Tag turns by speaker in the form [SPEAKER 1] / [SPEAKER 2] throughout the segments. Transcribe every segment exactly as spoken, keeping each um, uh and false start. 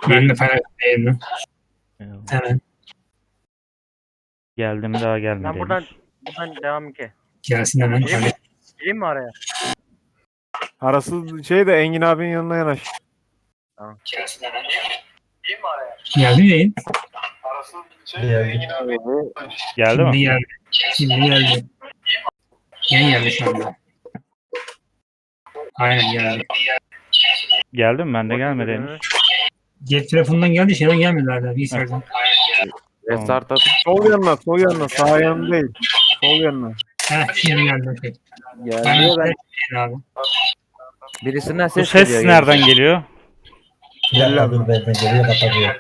[SPEAKER 1] Ben de fena değilim. Hemen
[SPEAKER 2] Geldim daha gelmedi.
[SPEAKER 3] Ben buradan
[SPEAKER 2] henüz.
[SPEAKER 3] buradan devam ki.
[SPEAKER 1] gelsin hemen.
[SPEAKER 3] Gireyim mi?
[SPEAKER 1] Hadi.
[SPEAKER 3] Gireyim mi araya?
[SPEAKER 4] Arası şey de Engin abinin yanına yanaş.
[SPEAKER 1] Geldi mi yayın?
[SPEAKER 2] Geldi
[SPEAKER 1] Şimdi
[SPEAKER 2] mi?
[SPEAKER 1] geldi. Şimdi geldi. Yayın geldi şu anda. Aynen geldi.
[SPEAKER 2] Geldi mi? Bende gelmedi henüz.
[SPEAKER 1] Cep telefonundan geldi, şeyden gelmedi hala. Bilgisayardan.
[SPEAKER 5] Restart at.
[SPEAKER 4] Sol yanına, sol yanına, sağ yanına değil. Sol yanına.
[SPEAKER 1] Heh, şimdi geldi. Okay.
[SPEAKER 5] Geldi
[SPEAKER 1] Ben
[SPEAKER 5] de ben
[SPEAKER 1] ben... abi.
[SPEAKER 5] birisinden
[SPEAKER 2] Bu
[SPEAKER 5] ses,
[SPEAKER 2] ses
[SPEAKER 5] geliyor.
[SPEAKER 2] nereden geliyor?
[SPEAKER 6] Ya dur benden geliyor kapatıyor.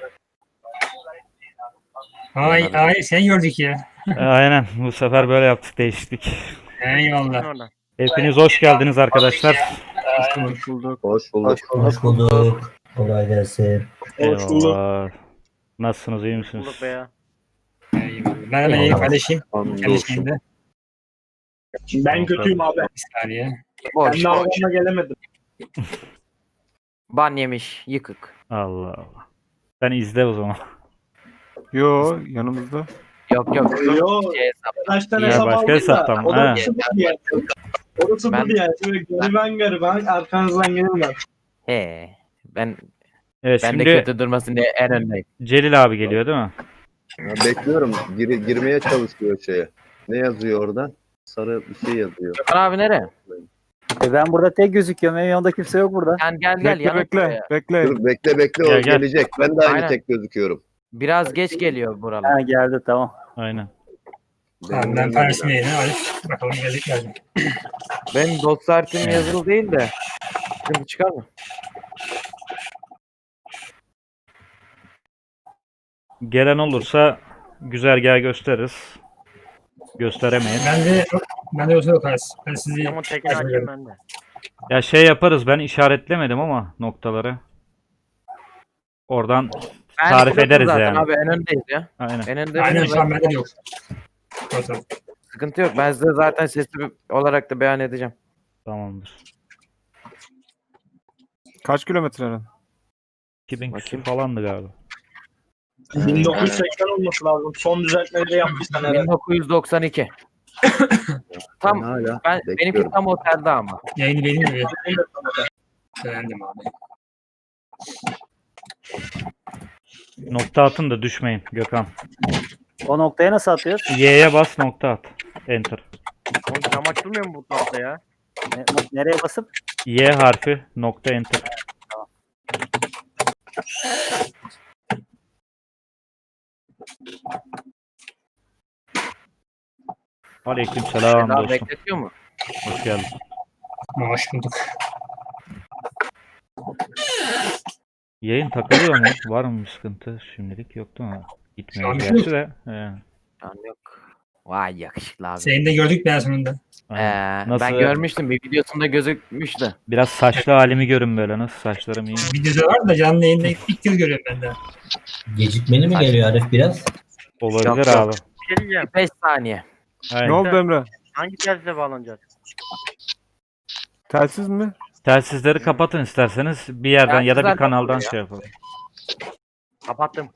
[SPEAKER 1] Ay ay sen gördük ya.
[SPEAKER 2] Aynen. Bu sefer böyle yaptık. Değişiklik.
[SPEAKER 1] Eyvallah.
[SPEAKER 3] Oradan.
[SPEAKER 2] Hepiniz hoş geldiniz arkadaşlar.
[SPEAKER 4] Hoş bulduk.
[SPEAKER 7] Hoş bulduk.
[SPEAKER 6] Hoş bulduk. Kolay gelsin.
[SPEAKER 2] Eyvallah. Nasılsınız? iyi
[SPEAKER 3] Bulduk
[SPEAKER 2] misiniz?
[SPEAKER 3] be ya.
[SPEAKER 1] Eyvallah. Ben hemen yayın paylaşayım.
[SPEAKER 7] Hamdolsun.
[SPEAKER 1] Paylaşayım da.
[SPEAKER 8] Ben kötüyüm abi.
[SPEAKER 1] Bir saniye.
[SPEAKER 5] Boş,
[SPEAKER 8] Ben
[SPEAKER 5] boş.
[SPEAKER 8] navgana gelemedim.
[SPEAKER 5] Ban yemiş. Yıkık.
[SPEAKER 2] Allah Allah. Sen izle o zaman.
[SPEAKER 4] Yo, yanımızda.
[SPEAKER 5] Yok yok.
[SPEAKER 8] Yo.
[SPEAKER 5] Şey hesap.
[SPEAKER 8] Kaç tane
[SPEAKER 2] Ya
[SPEAKER 8] hesap
[SPEAKER 2] başka
[SPEAKER 8] aldım da.
[SPEAKER 2] hesaptan mı?
[SPEAKER 8] O da
[SPEAKER 2] He.
[SPEAKER 8] sıfır diye. O da sıfır
[SPEAKER 5] Ben-
[SPEAKER 8] diye. Şöyle gariban gariban arkanızdan gelirler.
[SPEAKER 5] He. Ben
[SPEAKER 2] Evet
[SPEAKER 5] ben
[SPEAKER 2] şimdi
[SPEAKER 5] de kötü durmasın diye en öndeyim.
[SPEAKER 2] Celil abi geliyor değil mi?
[SPEAKER 7] Ya bekliyorum. Gir, girmeye çalışıyor şeye. Ne yazıyor orada? Sarı bir şey yazıyor.
[SPEAKER 5] Gökhan abi nereye?
[SPEAKER 9] E ben burada tek gözüküyorum. Benim yanımda kimse yok burada.
[SPEAKER 5] Sen gel gel
[SPEAKER 4] Bekle
[SPEAKER 5] yana
[SPEAKER 4] bekle,
[SPEAKER 5] buraya.
[SPEAKER 4] bekle.
[SPEAKER 7] Dur bekle bekle o
[SPEAKER 2] Gel, gel.
[SPEAKER 7] gelecek. Ben de aynı
[SPEAKER 5] Aynen.
[SPEAKER 7] tek gözüküyorum.
[SPEAKER 5] Biraz geç geliyor buralar.
[SPEAKER 9] Ha geldi tamam.
[SPEAKER 2] Aynen.
[SPEAKER 1] Tamam ben paylaşayım yayını. Hadi. Bakalım geldik geldi.
[SPEAKER 5] Benim dostlar tim yazılı değil de. Sıkıntı çıkar mı?
[SPEAKER 2] Gelen olursa güzergah gösteririz. Gösteremeyiz.
[SPEAKER 1] Ben de ben de yoksa yok az. Ben sizi
[SPEAKER 3] Ama tekini açayım ben de.
[SPEAKER 2] Ya şey yaparız. Ben işaretlemedim ama noktaları. Oradan
[SPEAKER 5] Ben
[SPEAKER 2] tarif
[SPEAKER 5] pilotum
[SPEAKER 2] ederiz
[SPEAKER 5] zaten
[SPEAKER 2] yani.
[SPEAKER 5] Abi en öndeyiz ya.
[SPEAKER 2] Aynen.
[SPEAKER 5] En önde.
[SPEAKER 1] aynen
[SPEAKER 5] benim.
[SPEAKER 1] şu an bende de yok. Fotoğraf.
[SPEAKER 5] Sıkıntı yok. Ben size zaten sesli olarak da beyan edeceğim.
[SPEAKER 2] Tamamdır.
[SPEAKER 4] Kaç kilometre lan?
[SPEAKER 2] iki bin küsur
[SPEAKER 5] Bakayım.
[SPEAKER 2] falandı galiba.
[SPEAKER 8] bin dokuz yüz seksen olması lazım. Son düzeltmeleri yapmışsan herhalde.
[SPEAKER 5] bin dokuz yüz doksan iki.
[SPEAKER 7] Ben
[SPEAKER 5] Tam
[SPEAKER 7] hala
[SPEAKER 5] ben benimki
[SPEAKER 7] bekliyorum.
[SPEAKER 5] tam otelde ama.
[SPEAKER 1] Yayını benim gibi. Beğendim abi.
[SPEAKER 2] Nokta atın da düşmeyin Gökhan.
[SPEAKER 9] O noktaya nasıl atıyoruz?
[SPEAKER 2] Y'ye bas nokta at. Enter.
[SPEAKER 3] Oğlum cam açılmıyor mu bu tarafta ya?
[SPEAKER 9] Ne- nereye basıp?
[SPEAKER 2] Y harfi nokta enter. Aleykümselam
[SPEAKER 5] Daha
[SPEAKER 2] dostum.
[SPEAKER 5] bekletiyor mu?
[SPEAKER 2] Hoş geldin.
[SPEAKER 1] Hoş bulduk.
[SPEAKER 2] Yayın takılıyor mu? Var mı bir sıkıntı? Şimdilik yok değil mi? Gitmiyor
[SPEAKER 1] Şu an
[SPEAKER 2] gerçi de. He.
[SPEAKER 5] Şu an yok. Vay yakışıklı abi.
[SPEAKER 1] Seni de gördük ben sonunda.
[SPEAKER 5] Ee,
[SPEAKER 2] Aynen. Nasıl?
[SPEAKER 5] Ben görmüştüm bir videosunda gözükmüştü.
[SPEAKER 2] Biraz saçlı halimi görün böyle. Nasıl saçlarım iyi.
[SPEAKER 1] Videoda var da canlı yayında ilk kez görüyorum ben de.
[SPEAKER 6] Gecikmeli mi geliyor Arif biraz?
[SPEAKER 2] Olabilir
[SPEAKER 5] Yok, yok.
[SPEAKER 2] abi.
[SPEAKER 3] Bir şey diyeceğim.
[SPEAKER 5] beş saniye.
[SPEAKER 2] Aynen.
[SPEAKER 4] Ne oldu Emre?
[SPEAKER 3] Hangi telsizle bağlanacağız?
[SPEAKER 4] Telsiz mi?
[SPEAKER 2] Telsizleri kapatın isterseniz. Bir yerden ya da bir
[SPEAKER 5] Telsizler
[SPEAKER 2] kanaldan
[SPEAKER 5] kapatıyor
[SPEAKER 2] şey yapalım.
[SPEAKER 3] Kapattım.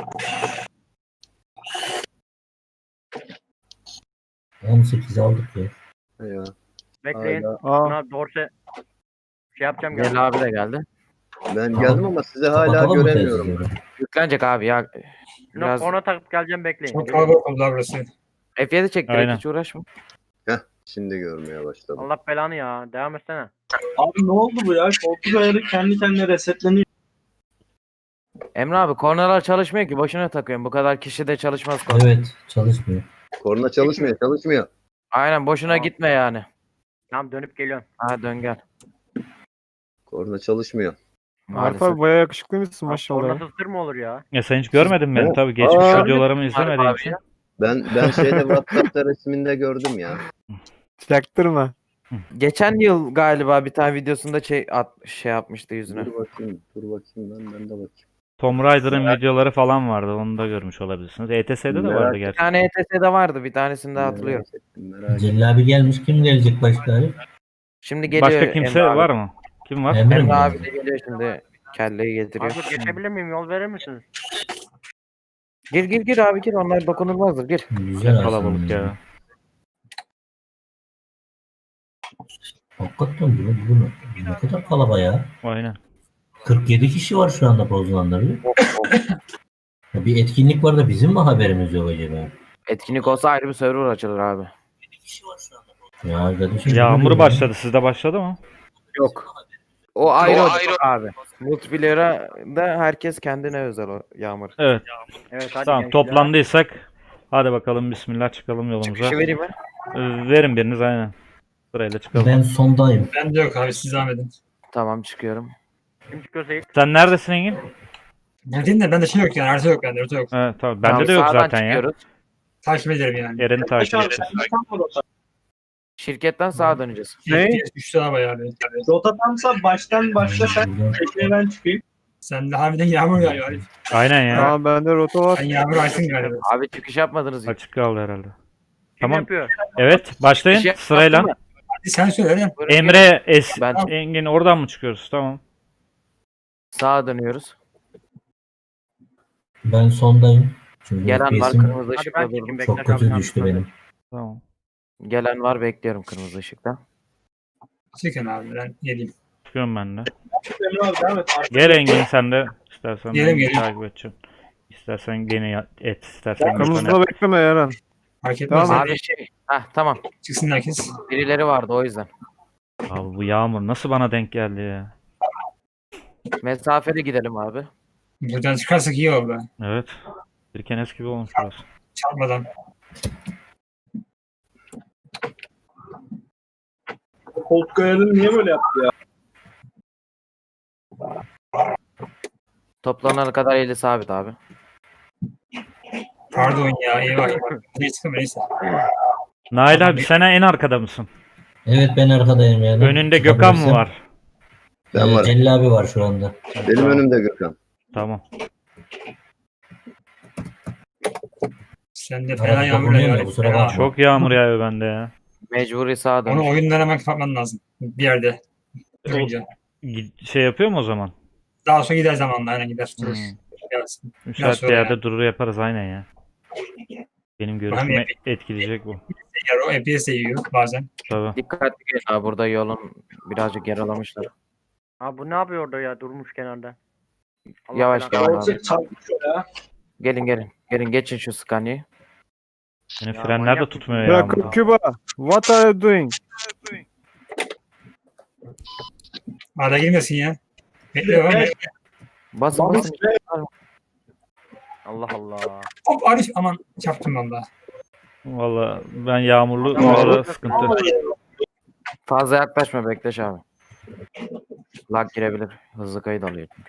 [SPEAKER 6] on sekiz aldık ya.
[SPEAKER 7] Ya.
[SPEAKER 3] Bekleyin.
[SPEAKER 7] Hala.
[SPEAKER 4] Aa,
[SPEAKER 3] Buna dorse şey yapacağım. geldim.
[SPEAKER 5] Celal abi de geldi.
[SPEAKER 7] Ben geldim ama sizi hala
[SPEAKER 6] Kapatalım mı
[SPEAKER 7] göremiyorum.
[SPEAKER 6] telsizleri?
[SPEAKER 5] Yüklenecek abi ya.
[SPEAKER 3] Şuna
[SPEAKER 5] Biraz
[SPEAKER 3] korna takıp geleceğim bekleyin.
[SPEAKER 1] Çok kalabalık oldu abi burası.
[SPEAKER 5] F yedi çek direkt
[SPEAKER 2] Aynen.
[SPEAKER 5] hiç uğraşma.
[SPEAKER 7] Heh, şimdi görmeye başladım.
[SPEAKER 3] Allah belanı ya. Devam etsene.
[SPEAKER 8] Abi ne oldu bu ya? Koltuk ayarı kendi kendine resetleniyor.
[SPEAKER 5] Emre abi kornalar çalışmıyor ki boşuna takıyorum. Bu kadar kişi de çalışmaz korna.
[SPEAKER 6] Evet çalışmıyor.
[SPEAKER 7] Korna çalışmıyor, çalışmıyor.
[SPEAKER 5] Aynen boşuna
[SPEAKER 3] Tamam.
[SPEAKER 5] gitme yani.
[SPEAKER 3] Tamam dönüp geliyorum.
[SPEAKER 5] Ha dön gel.
[SPEAKER 7] Korna çalışmıyor.
[SPEAKER 4] Arif
[SPEAKER 5] Maalesef.
[SPEAKER 4] abi bayağı yakışıklıymışsın
[SPEAKER 3] Abi,
[SPEAKER 4] maşallah.
[SPEAKER 3] kornasız tır mı olur ya?
[SPEAKER 2] Ya sen hiç görmedin beni
[SPEAKER 7] Evet.
[SPEAKER 2] tabii. Geçmiş
[SPEAKER 7] Aa,
[SPEAKER 2] videolarımı izlemediğin
[SPEAKER 5] abi
[SPEAKER 2] için.
[SPEAKER 5] ya.
[SPEAKER 7] Ben ben şeyde WhatsApp'ta resminde gördüm ya.
[SPEAKER 4] Çaktırma.
[SPEAKER 5] Geçen yıl galiba bir tane videosunda şey, at, şey yapmıştı yüzüne.
[SPEAKER 7] Dur bakayım, dur bakayım ben, ben de bakayım.
[SPEAKER 2] Tomb Raider'ın videoları falan vardı. Onu da görmüş olabilirsiniz. E T S'de de
[SPEAKER 7] Merak
[SPEAKER 2] vardı
[SPEAKER 5] Bir
[SPEAKER 2] gerçi.
[SPEAKER 5] tane E T S'de vardı bir tanesinde hatırlıyorum.
[SPEAKER 7] Merak ettim, merak ettim.
[SPEAKER 6] Celil abi gelmiş. Kim gelecek başka Arif?
[SPEAKER 5] Şimdi geliyor
[SPEAKER 2] Başka kimse
[SPEAKER 5] Emre abi.
[SPEAKER 2] var mı? Kim var?
[SPEAKER 6] Emre mi
[SPEAKER 5] Emre abi
[SPEAKER 6] gelecek?
[SPEAKER 5] de geliyor şimdi. Kelleyi getiriyor.
[SPEAKER 3] Abi geçebilir miyim? Yol verir misiniz?
[SPEAKER 5] Gir gir gir abi gir. Onlar dokunulmazdır. Gir.
[SPEAKER 6] Güzel
[SPEAKER 2] Ne
[SPEAKER 6] aslında.
[SPEAKER 2] kalabalık ya.
[SPEAKER 6] Hakikaten bu, bu ne- ne kadar kalabalık ya.
[SPEAKER 2] Aynen.
[SPEAKER 6] kırk yedi kişi var şu anda bozulanlar.
[SPEAKER 5] Of, of.
[SPEAKER 6] Ya bir etkinlik var da bizim mi haberimiz yok acaba?
[SPEAKER 5] Etkinlik olsa ayrı bir server açılır abi.
[SPEAKER 6] Ya arkadaşım.
[SPEAKER 2] Yağmur
[SPEAKER 6] bu ne
[SPEAKER 2] başladı. Sizde başladı mı?
[SPEAKER 5] Yok. O ayrı o abi. Multiplayer'a da herkes kendine özel o Yağmur.
[SPEAKER 2] Evet.
[SPEAKER 3] Evet hadi
[SPEAKER 2] Tamam
[SPEAKER 3] gençler.
[SPEAKER 2] toplandıysak hadi bakalım bismillah çıkalım yolumuza.
[SPEAKER 5] Çıkışı vereyim mi?
[SPEAKER 2] Ee, Verin biriniz aynen. Sırayla çıkalım.
[SPEAKER 6] Ben sondayım.
[SPEAKER 8] Ben de yok abi siz devam edin.
[SPEAKER 5] Tamam çıkıyorum.
[SPEAKER 3] Kim çıkıyorsa ilk.
[SPEAKER 2] Sen neredesin Engin?
[SPEAKER 8] Bildiğin de bende şey yok yani harita yok bende harita yok.
[SPEAKER 2] Evet tamam.
[SPEAKER 5] Tamam,
[SPEAKER 2] Bende de yok
[SPEAKER 5] sağdan
[SPEAKER 2] zaten ya.
[SPEAKER 5] çıkıyoruz.
[SPEAKER 8] Takip ederim yani.
[SPEAKER 2] Eren'i takip
[SPEAKER 8] Aşağı-
[SPEAKER 2] edeceğiz.
[SPEAKER 5] Şirketten sağa döneceğiz.
[SPEAKER 4] Ne?
[SPEAKER 8] Üç tane bayağı bir. Rota tamsa baştan başla sen.
[SPEAKER 6] Buradan-
[SPEAKER 8] Tekneye ben çıkayım. Sen de harbiden yağmur yağıyor Arif.
[SPEAKER 2] Aynen ya.
[SPEAKER 4] Tamam bende rota var.
[SPEAKER 8] Sen yağmur açtın galiba.
[SPEAKER 5] Abi çıkış yapmadınız. Çıkış
[SPEAKER 2] Açık kaldı herhalde.
[SPEAKER 3] Kim
[SPEAKER 2] Tamam.
[SPEAKER 3] yapıyor?
[SPEAKER 2] Evet başlayın
[SPEAKER 5] yaptın
[SPEAKER 2] sırayla.
[SPEAKER 5] mı?
[SPEAKER 8] Hadi sen söyle Eren.
[SPEAKER 5] Buyurun, gelin.
[SPEAKER 2] Emre, Es,
[SPEAKER 5] Ben
[SPEAKER 2] Engin oradan mı çıkıyoruz? Tamam.
[SPEAKER 5] sağa dönüyoruz.
[SPEAKER 6] Ben sondayım. Çünkü
[SPEAKER 5] Gelen var
[SPEAKER 6] F P S'im
[SPEAKER 5] kırmızı
[SPEAKER 3] Hadi
[SPEAKER 5] ışıkta
[SPEAKER 3] ben
[SPEAKER 5] durdum.
[SPEAKER 3] çekeyim.
[SPEAKER 6] çok
[SPEAKER 3] Bektaş
[SPEAKER 6] kötü
[SPEAKER 3] abi,
[SPEAKER 6] düştü
[SPEAKER 3] sen
[SPEAKER 6] benim.
[SPEAKER 2] Tamam.
[SPEAKER 5] Gelen var bekliyorum kırmızı ışıkta.
[SPEAKER 8] Çıkın abi ben geleyim.
[SPEAKER 2] Çıkıyorum ben de.
[SPEAKER 8] Emre abi devam et.
[SPEAKER 2] Gel Engin sen de. İstersen
[SPEAKER 8] Gelirim,
[SPEAKER 2] beni
[SPEAKER 8] gelirim.
[SPEAKER 2] takip edeceksin. İstersen gene ya- et. İstersen bir
[SPEAKER 4] Kırmızıda
[SPEAKER 2] tane.
[SPEAKER 4] bekleme Eren.
[SPEAKER 8] Fark etmez.
[SPEAKER 4] Tamam.
[SPEAKER 5] Abi şey. Heh tamam.
[SPEAKER 8] Çıksın herkes.
[SPEAKER 5] Birileri vardı o yüzden.
[SPEAKER 2] Abi bu yağmur nasıl bana denk geldi ya?
[SPEAKER 5] Mesafeli gidelim abi.
[SPEAKER 8] Buradan çıkarsak iyi oldu.
[SPEAKER 2] Evet. Bir kenes gibi olmuş burası.
[SPEAKER 8] Çarpmadan.
[SPEAKER 10] Koltuk ayarını niye böyle yaptı ya?
[SPEAKER 5] Toplanana kadar eli sabit abi.
[SPEAKER 8] Pardon ya eyvah eyvah. Neyse çıkın neyse.
[SPEAKER 2] Nail abi sen en arkada mısın?
[SPEAKER 6] Evet ben arkadayım yani.
[SPEAKER 2] Önünde Gökhan mı
[SPEAKER 6] Çıkabilirsem.
[SPEAKER 2] var?
[SPEAKER 7] Ben
[SPEAKER 6] Ee,
[SPEAKER 7] varım.
[SPEAKER 6] Celil abi var şu anda.
[SPEAKER 7] Benim
[SPEAKER 2] Tamam.
[SPEAKER 7] önümde Gökhan.
[SPEAKER 2] Tamam.
[SPEAKER 8] Sen de
[SPEAKER 6] Arada
[SPEAKER 8] fena yağmur
[SPEAKER 6] dokunuyor
[SPEAKER 8] yağıyor.
[SPEAKER 6] ya,
[SPEAKER 8] Arif,
[SPEAKER 6] kusura
[SPEAKER 8] fena.
[SPEAKER 6] bakma.
[SPEAKER 2] Çok yağmur yağıyor bende ya.
[SPEAKER 5] Mecburi sağa
[SPEAKER 8] Onu
[SPEAKER 5] dönüş.
[SPEAKER 8] oyundan hemen kapatman lazım. Bir yerde. Durunca.
[SPEAKER 2] Gi- Şey yapıyor mu o zaman?
[SPEAKER 8] Daha sonra gider zamanla aynen gider. Durur.
[SPEAKER 2] Hmm.
[SPEAKER 8] Gelsin.
[SPEAKER 2] Müsait bir
[SPEAKER 8] sonra
[SPEAKER 2] yerde
[SPEAKER 8] ya.
[SPEAKER 2] durur yaparız aynen ya. Benim görüşümü
[SPEAKER 8] Hani-
[SPEAKER 2] etkileyecek bu.
[SPEAKER 8] Yer o F P S de yiyor bazen.
[SPEAKER 2] Tabii.
[SPEAKER 5] Dikkatli gelin abi burada yolun birazcık yaralamışlar.
[SPEAKER 3] Abi bu ne yapıyor orada ya durmuş kenarda. Allah
[SPEAKER 5] Yavaş
[SPEAKER 3] belanı
[SPEAKER 5] gel
[SPEAKER 3] versin.
[SPEAKER 5] abi.
[SPEAKER 10] Çarpışıyor ya.
[SPEAKER 5] Gelin gelin. Gelin geçin şu Scania'yı.
[SPEAKER 2] Benim
[SPEAKER 3] Ya
[SPEAKER 2] frenler de
[SPEAKER 3] manyak
[SPEAKER 2] tutmuyor
[SPEAKER 3] mısın?
[SPEAKER 2] yağmurda.
[SPEAKER 4] Bırak Küba. What are you doing?
[SPEAKER 8] Arada girmesin ya. Bekle oğlum.
[SPEAKER 10] Evet.
[SPEAKER 5] Basın basın.
[SPEAKER 3] Allah Allah.
[SPEAKER 8] Hop Arif aman çarptım valla.
[SPEAKER 2] Valla ben yağmurlu
[SPEAKER 3] Tamam.
[SPEAKER 2] orada sıkıntı.
[SPEAKER 5] Fazla yaklaşma Bektaş abi. Lag girebilir. Hızlı kayıt alıyor çünkü.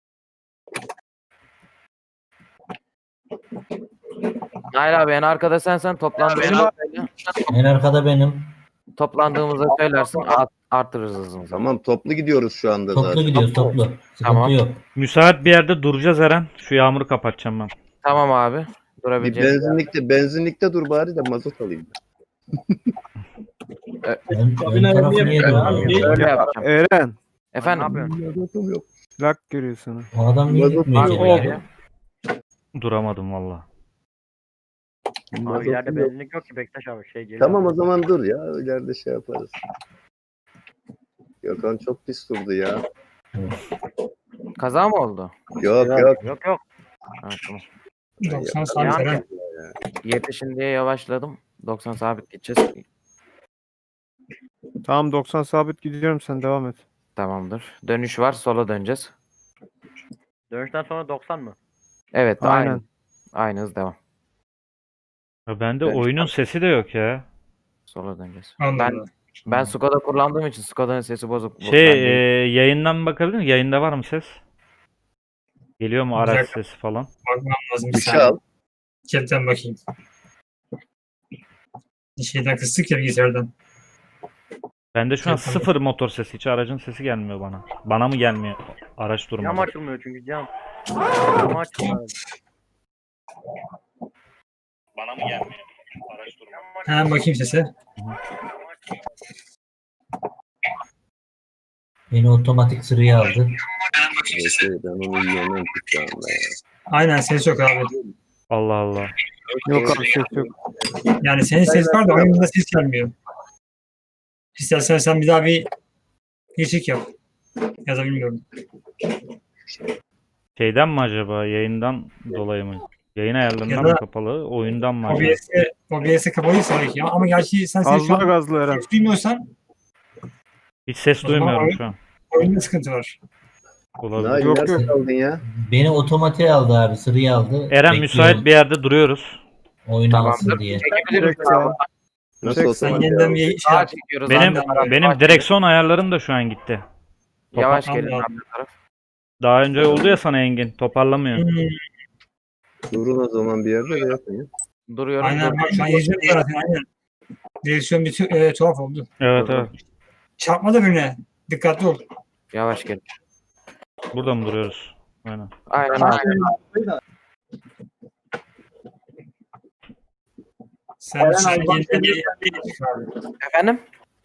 [SPEAKER 5] Nail abi en arkada sensen toplandığımızda
[SPEAKER 6] En arkada benim.
[SPEAKER 5] toplandığımızda söylersin art, artırırız hızımızı.
[SPEAKER 7] Tamam toplu gidiyoruz şu anda
[SPEAKER 6] Toplu
[SPEAKER 7] zaten.
[SPEAKER 6] gidiyoruz toplu. Sıkıntı
[SPEAKER 5] Tamam.
[SPEAKER 6] yok.
[SPEAKER 2] Müsait bir yerde duracağız Eren. Şu yağmuru kapatacağım ben.
[SPEAKER 5] Tamam abi.
[SPEAKER 7] Bir
[SPEAKER 5] Durabileceğiz.
[SPEAKER 7] benzinlikte benzinlikte dur bari de mazot alayım.
[SPEAKER 6] Ön, ön
[SPEAKER 10] Kabine
[SPEAKER 6] tarafı
[SPEAKER 10] niye
[SPEAKER 6] niye
[SPEAKER 10] böyle
[SPEAKER 6] duruyor?
[SPEAKER 10] abi?
[SPEAKER 5] Öyle yapacağım.
[SPEAKER 4] Eren.
[SPEAKER 3] Ne
[SPEAKER 5] Efendim
[SPEAKER 3] yapıyorsun?
[SPEAKER 7] Mazotum yok.
[SPEAKER 4] Lak görüyor sana.
[SPEAKER 6] O adam niye
[SPEAKER 7] Mazot
[SPEAKER 6] gitmiyor
[SPEAKER 7] yok.
[SPEAKER 6] içeri?
[SPEAKER 5] Abi,
[SPEAKER 2] Duramadım valla.
[SPEAKER 3] Abi ileride benzinlik yok ki Bektaş abi şey geliyor.
[SPEAKER 7] Tamam o zaman dur ya. İleride şey yaparız. Gökhan çok pis durdu ya.
[SPEAKER 5] kaza mı oldu?
[SPEAKER 7] Yok yok.
[SPEAKER 3] Yok yok.
[SPEAKER 5] Ha, tamam.
[SPEAKER 8] doksan sabit
[SPEAKER 3] Yani-
[SPEAKER 8] Eren.
[SPEAKER 5] Yetişin diye yavaşladım. doksan sabit gideceğiz.
[SPEAKER 4] Tamam doksan sabit gidiyorum sen devam et.
[SPEAKER 5] Tamamdır. Dönüş var. Sola döneceğiz.
[SPEAKER 3] Dönüşten sonra doksan mı?
[SPEAKER 5] Evet.
[SPEAKER 4] Aynen.
[SPEAKER 5] Aynı. Aynı hız devam.
[SPEAKER 2] Ya bende
[SPEAKER 5] Evet.
[SPEAKER 2] oyunun sesi de yok ya.
[SPEAKER 5] Sola döneceğiz.
[SPEAKER 8] Allah
[SPEAKER 5] Ben
[SPEAKER 8] Allah.
[SPEAKER 5] ben Skoda kullandığım için Skoda'nın sesi bozuk. Bu-
[SPEAKER 2] Şey
[SPEAKER 5] ben
[SPEAKER 2] e,
[SPEAKER 5] değil.
[SPEAKER 2] yayından bakabilir miyim? Yayında var mı ses? Geliyor mu araç
[SPEAKER 8] Güzel.
[SPEAKER 2] sesi falan?
[SPEAKER 8] Bakmam lazım bir
[SPEAKER 7] Bir şey
[SPEAKER 8] saniye.
[SPEAKER 7] al.
[SPEAKER 8] Chatten bakayım. Bir şeyden kıstık ya bilgisayardan.
[SPEAKER 2] Bende şu an
[SPEAKER 8] Chatten
[SPEAKER 2] sıfır motor sesi. Hiç aracın sesi gelmiyor bana. Bana mı gelmiyor? Araç
[SPEAKER 3] Cam
[SPEAKER 2] durmadı.
[SPEAKER 3] açılmıyor çünkü cam. Cam açılmıyor.
[SPEAKER 2] Bana mı gelmiyor? Araç durmadı.
[SPEAKER 8] Hemen bakayım sese.
[SPEAKER 6] Beni otomatik sıraya aldı.
[SPEAKER 7] Neyse, ben onu yiyemem ki şu anda ya.
[SPEAKER 1] Aynen ses yok abi.
[SPEAKER 2] Allah Allah.
[SPEAKER 4] Yok abi ses yok.
[SPEAKER 1] Yani senin ses var da oyunda ses gelmiyor. İstersen sen bir daha bir değişik yap. Ya da bilmiyorum.
[SPEAKER 2] Şeyden mi acaba? Yayından dolayı mı? Yayın ayarlarından
[SPEAKER 1] Ya
[SPEAKER 2] mı
[SPEAKER 1] da-
[SPEAKER 2] kapalı? Oyundan mı acaba?
[SPEAKER 1] O B S'e O B S'e kapalıysa belki ya. Ama gerçi sen ses şu
[SPEAKER 4] Gazla
[SPEAKER 1] an
[SPEAKER 4] gazlı Eren.
[SPEAKER 1] ses duymuyorsan
[SPEAKER 2] Hiç ses
[SPEAKER 1] O zaman
[SPEAKER 2] duymuyorum
[SPEAKER 1] oyun-
[SPEAKER 2] şu an.
[SPEAKER 1] oyunda sıkıntı var.
[SPEAKER 2] Olabilir.
[SPEAKER 7] Nail
[SPEAKER 4] Yok,
[SPEAKER 7] nerede
[SPEAKER 4] yok.
[SPEAKER 7] kaldın ya?
[SPEAKER 6] Beni otomatiğe aldı abi. Sıraya aldı.
[SPEAKER 2] Eren
[SPEAKER 6] Bekliyorum
[SPEAKER 2] müsait bir yerde duruyoruz.
[SPEAKER 6] oyunu
[SPEAKER 5] Tamamdır.
[SPEAKER 6] alsın diye.
[SPEAKER 5] Çekebiliriz
[SPEAKER 4] Direkt sağ.
[SPEAKER 7] Nasıl
[SPEAKER 4] Çek,
[SPEAKER 7] olsa
[SPEAKER 1] Sen
[SPEAKER 7] var ya.
[SPEAKER 1] yeniden bir şey
[SPEAKER 5] Sağa
[SPEAKER 1] yap.
[SPEAKER 5] çekiyoruz.
[SPEAKER 2] Benim
[SPEAKER 5] abi.
[SPEAKER 2] benim
[SPEAKER 5] Sağa
[SPEAKER 2] direksiyon ayarlarım da şu an gitti.
[SPEAKER 5] çekiyoruz. Yavaş
[SPEAKER 1] Tamam,
[SPEAKER 5] gelin
[SPEAKER 1] tamam.
[SPEAKER 5] abi taraf.
[SPEAKER 2] Daha önce oldu ya sana Engin. Toparlamıyor.
[SPEAKER 1] Hmm,
[SPEAKER 7] Durun o zaman bir yerde de yapın ya.
[SPEAKER 5] Duruyorum.
[SPEAKER 1] aynen
[SPEAKER 5] dur.
[SPEAKER 1] bak şu an izliyorum zaten aynen. Direksiyon bir tü- e, tuhaf oldu.
[SPEAKER 2] Evet evet.
[SPEAKER 1] Çarpma da birine. Dikkatli ol.
[SPEAKER 5] Yavaş gelin.
[SPEAKER 2] Burada mı duruyoruz? Aynen.
[SPEAKER 5] Aynen abi.
[SPEAKER 1] Sen
[SPEAKER 8] Eren
[SPEAKER 1] şu an
[SPEAKER 8] abi, bak
[SPEAKER 1] yeniden bir
[SPEAKER 5] Efendim?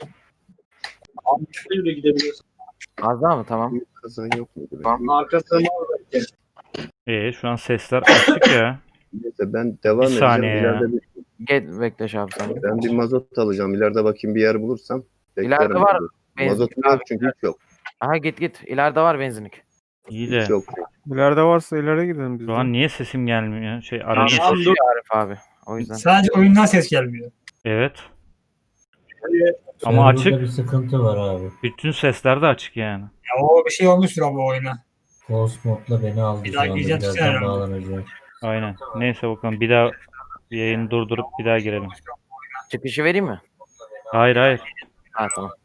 [SPEAKER 8] Altı yürü gidebiliyorsun.
[SPEAKER 5] Az daha mı? Tamam.
[SPEAKER 7] Kazan yok muydu? be?
[SPEAKER 8] Tamam. Arkasına al.
[SPEAKER 2] İyi şu an sesler açık ya.
[SPEAKER 7] Neyse ben devam
[SPEAKER 2] Bir
[SPEAKER 7] edeceğim.
[SPEAKER 2] saniye ya.
[SPEAKER 7] İleride bir,
[SPEAKER 5] Gel bekle abi sen.
[SPEAKER 7] ben bir mazot alacağım. İleride bakayım bir yer bulursam.
[SPEAKER 5] İleride
[SPEAKER 7] beklerim
[SPEAKER 5] var
[SPEAKER 7] bizi.
[SPEAKER 5] benzin.
[SPEAKER 7] Mazotum yok çünkü hiç yok.
[SPEAKER 5] Aha git git. İleride var benzinlik.
[SPEAKER 2] İyi de
[SPEAKER 7] Hiç yok.
[SPEAKER 4] İleride varsa ileri gidelim biz
[SPEAKER 2] şu
[SPEAKER 4] de.
[SPEAKER 2] an niye sesim gelmiyor? Şey aracın
[SPEAKER 8] Tamam,
[SPEAKER 2] sesi.
[SPEAKER 8] dur.
[SPEAKER 5] Arif abi. O yüzden.
[SPEAKER 1] sadece oyundan ses gelmiyor.
[SPEAKER 2] Evet. Ama
[SPEAKER 6] Server'da
[SPEAKER 2] açık.
[SPEAKER 6] bir sıkıntı var abi.
[SPEAKER 2] Bütün sesler de açık yani.
[SPEAKER 1] Ya o bir şey olmuştur abi o oyuna.
[SPEAKER 6] Ghost modla beni aldı
[SPEAKER 1] Bir
[SPEAKER 6] şu
[SPEAKER 1] daha
[SPEAKER 6] anda.
[SPEAKER 1] gireceğim
[SPEAKER 6] Birazdan
[SPEAKER 1] herhalde.
[SPEAKER 6] bağlanacağım.
[SPEAKER 2] Aynen. Neyse bakalım bir daha yayını durdurup bir daha girelim.
[SPEAKER 5] Çıkışı vereyim mi?
[SPEAKER 2] Hayır hayır.
[SPEAKER 5] Ha tamam.